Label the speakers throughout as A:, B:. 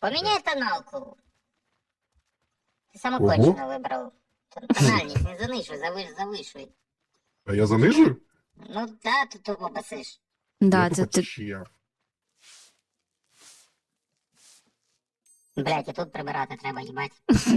A: Поміняй тоналку. Ти самокончено вибрав. Тональність, не занижуй, завишуй.
B: А я занижую?
A: Ну да, ти тупо басиш.
C: Да,
B: Я
C: це
B: тупо
C: ти.
B: чия.
A: Блять, і тут прибирати треба, їбать.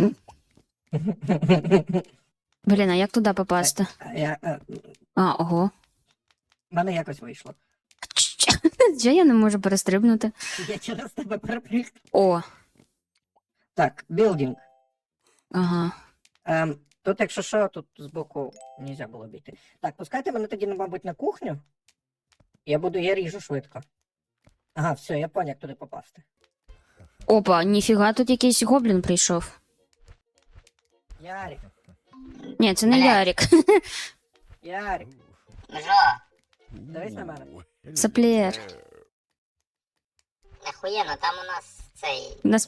C: Блін, а як туди попасти? А, ого.
D: В мене якось вийшло.
C: Чого я не можу перестрибнути?
D: Я через тебе перепріг.
C: О,
D: Так, білдинг.
C: ага.
D: Тут, якщо що, тут збоку нельзя було обійти. Так, пускайте мене тоді, мабуть, на кухню. Я ріжу швидко. Ага, все, я поняв, як туди попасти.
C: Опа, ніфіга, тут якийсь гоблін прийшов.
D: Ярик,
C: Ні, це не
A: Блядь.
C: Ярик.
D: Ярик,
A: Жо,
D: дивись на мене.
C: Саплєр.
A: нахуєно, там у нас цей,
C: Нас...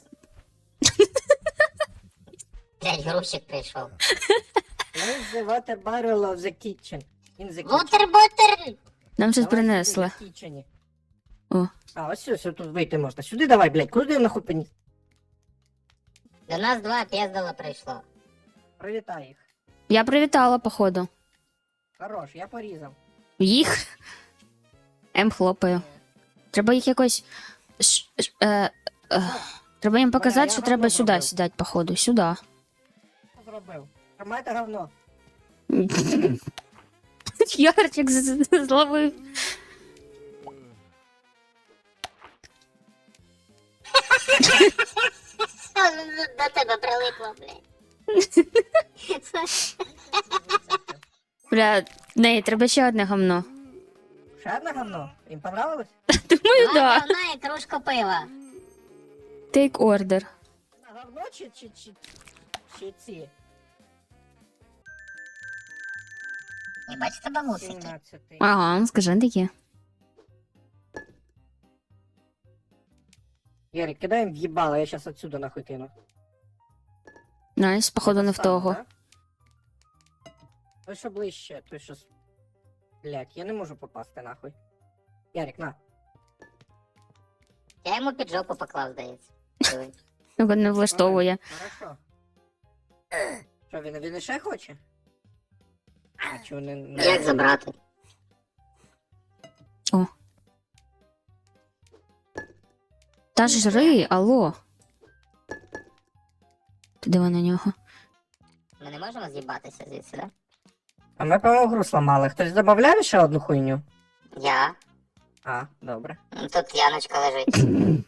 A: блять, грузчик прийшов.
D: Where's the water barrel of the kitchen? In the kitchen.
A: Вотер-ботер!
C: Нам щось
D: Давай
C: принесли.
D: сюди, в kitchen.
C: О.
D: А, ось все, тут вийти можна. Сюди давай, блядь, куди я нахуй поніс?
A: До нас 2 піздала прийшло.
D: Привітай їх.
C: Я привітала, походу.
D: Хорош, я порізав.
C: Їх? Хлопаю. Треба їх якось... Треба їм показати,
D: я
C: що
D: говно
C: треба сюди
D: зробив.
C: сідати, походу. Сюди.
D: Що зробив? Тримайте говно.
C: Ярчик зловив.
A: До тебе прилипло, блядь.
C: Бля, не, треба ще одне гамно.
D: Ще одне говно? Їм понравилось?
C: Думаю,
A: Два
C: да.
A: говна і кружка пива.
C: Take order.
D: На говно чи ці?
A: Не бачиш тебе мусики.
D: 17.
C: Ага, скажи таке.
D: Ярик, кидай їм в'їбало, я щас отсюда нахуй кину.
C: Найс, походу не в того.
D: Так? Той, що ближче, той, що... Блять, я не можу попасти нахуй. Ярик, на.
A: Я йому під жопу поклав, здається. Диви.
C: Його не влаштовує.
D: Хорошо. Що, він іще хоче? А чого не...
A: Як забрати?
C: Та ж жри, алло. Ти диви на нього.
A: Ми не можемо з'їбатися звідси, да?
D: А ми, по-моєму, гру сломали. Хтось додавав ще одну хуйню?
A: Я.
D: А, добре.
A: Тут Яночка лежить.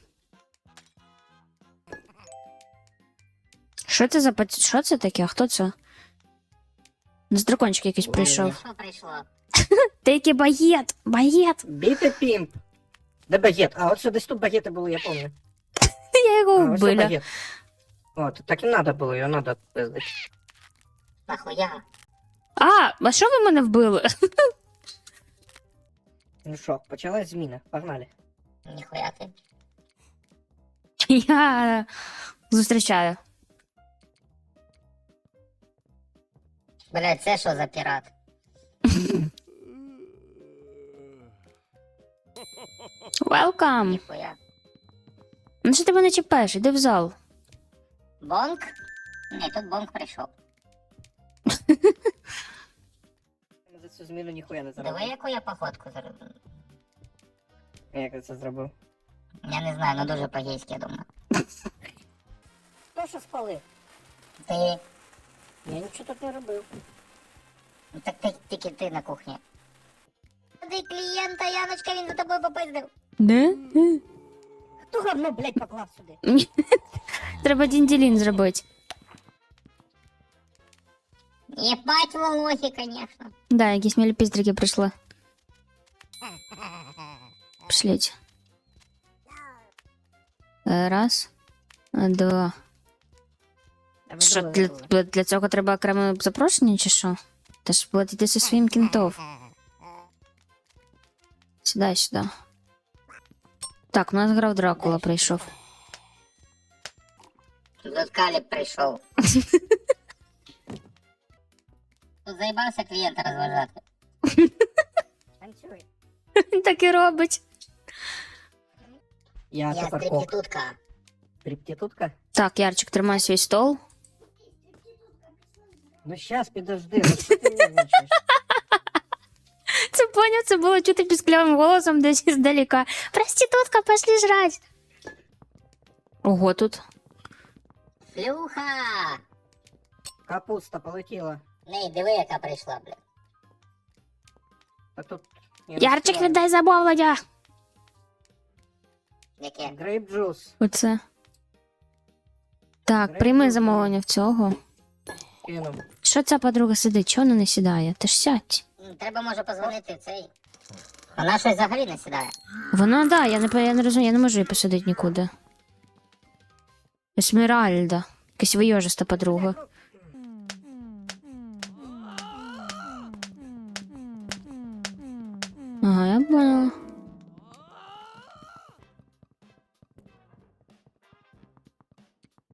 C: Що це за Що це таке? А хто це? З дракончик якийсь прийшов.
A: Що прийшло?
C: Ти який багет! Багет!
D: Біти пімп. Де багет? А, от що десь тут багети були, я пам'ятаю.
C: Я його
D: А, ось
C: вбила.
D: багет. От, так і треба було, його треба пиздити.
A: Нахуя?
C: А що ви мене вбили?
D: Ну що, почалась зміна. Погнали.
A: Ніхуя ти.
C: Я зустрічаю.
A: Блядь, це що за пірат?
C: Welcome!
A: Ніхуя.
C: Ну що ти мене чіпаєш? Іди в зал.
A: Бонк? Ні, тут бонк прийшов.
D: Ми за цю зміну ніхуя не
A: Диви,
D: заробив.
A: яку я походку зробив.
D: Як я це зробив?
A: Я не знаю, ну дуже по-гейськи, я думаю.
D: Хто що спалив?
A: Ти.
D: Я нічого тут не робив.
A: Ну так ти тільки ти на кухні. Ти клієнта, Яночка, він за тобою попиздив.
C: Де?
D: Хто говно, блядь, поклав сюди?
C: Треба дінділін зробити.
A: Єбать волохи, конечно.
C: Да, якісь мілі піздрики прийшли. Пішліть. Раз. Два. Що, для цього треба окреме запрошення, чи що? Ти ж платити зі своїм кінтов. Сюди, сюди. Так, у нас грав Дракула прийшов.
A: Тут Каліб прийшов. Тут заїбався клієнта розважати.
D: Танцюй.
C: Він так і робить.
D: Я
A: Я
D: тепер коп.
A: стрибітутка.
D: Стриптитутка?
C: Так, Ярчик, тримай свій стол.
D: Ну щас, підожди, ну що ти нервничаєш?
C: Це поняв, це було чути пісклявим голосом десь іздалека. Проститутка, пошли жрать. Ого, тут.
A: Флюха!
D: Капуста полетіла.
A: Ней, диви, яка прийшла, блядь.
D: А тут... я
C: Ярчик,
D: розкриваю.
C: віддай замовлення.
A: Яке?
D: Грейп джус.
C: Оце. Так, прийми замовлення в цього.
D: Кинув.
C: Що ця подруга сидить? Чого вона не сідає? Ти ж сядь.
A: Треба, може, позвонити в цей. Вона щось взагалі не сідає.
C: Вона, да, я не розумію, я не можу її посадити нікуди. Есмеральда. Якась вийожиста подруга.